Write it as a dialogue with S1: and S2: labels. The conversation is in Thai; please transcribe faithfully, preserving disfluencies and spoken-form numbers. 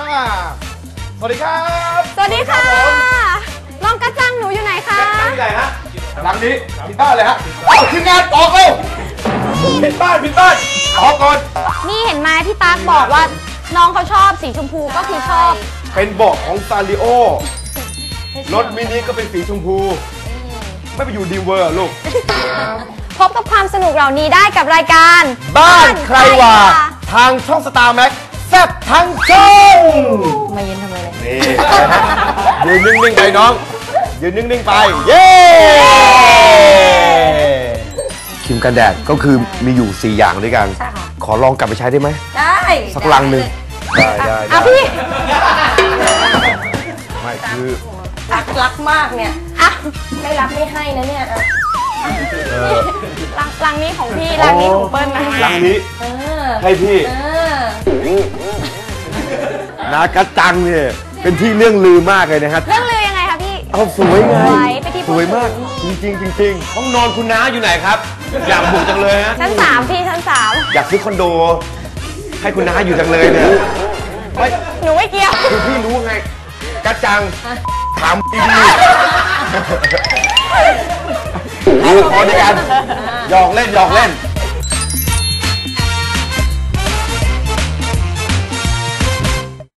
S1: สวัสดีครับ
S2: สวัสดีค่ะน้องกระจังหนูอยู่ไหนคะ
S1: ที่ไหนฮะหลังนี้ผิดบ้านเลยฮะเอาทีมงานออกเร็วผิดบ้านผิดบ้านออกก่อน
S2: นี่เห็นไหมพี่ตั๊กบอกว่าน้องเขาชอบสีชมพูก็คือชอบ
S1: เป็นเบาะของซาริโอรถมินิก็เป็นสีชมพูไม่ไปอยู่ดีเวอร์ลูก
S2: พบกับความสนุกเหล่านี้ได้กับรายการ
S1: บ้านใครว่าทางช่องสตาร์แม็กแซ่บทั้งช่อง
S2: มายืนทำไมเลย
S1: นี่ยืนนิ่งๆไปน้องยืนนิ่งๆไปเย้ครีมกันแดดก็คือมีอยู่สี่อย่างด้วยกันขอลองกลับไปใช้ได้ไหม
S2: ได้
S1: สักลังหนึ่งได้ได้
S2: อ่ะพี่
S1: ไม่คือ
S2: รักรักมากเนี่ยอ่ะไม่รับไม่ให้นะเนี่ยลังลังนี้ของพี่ลังนี้ของเปิ้ลนะ
S1: ลังนี้ให้พี่นากระจังเนี่ยเป็นที่เรื่องลือมากเลยนะครับ
S2: เรื่องลือยังไงคะพี่
S1: เอาสวยไงสวยมากจริงจริงจริงห้องนอนคุณน้าอยู่ไหนครับอยากบุกจังเลยฮะ
S2: ชั้นสามพี่ชั้นสาม
S1: อยากซื้อคอนโดให้คุณน้าอยู่จังเลยเนี่ย
S2: ไม่หนูไม่เกี่ยว
S1: คือพี่รู้ไงกระจังถามดีๆเอาพอด้วยกันหยอกเล่นหยอกเล่น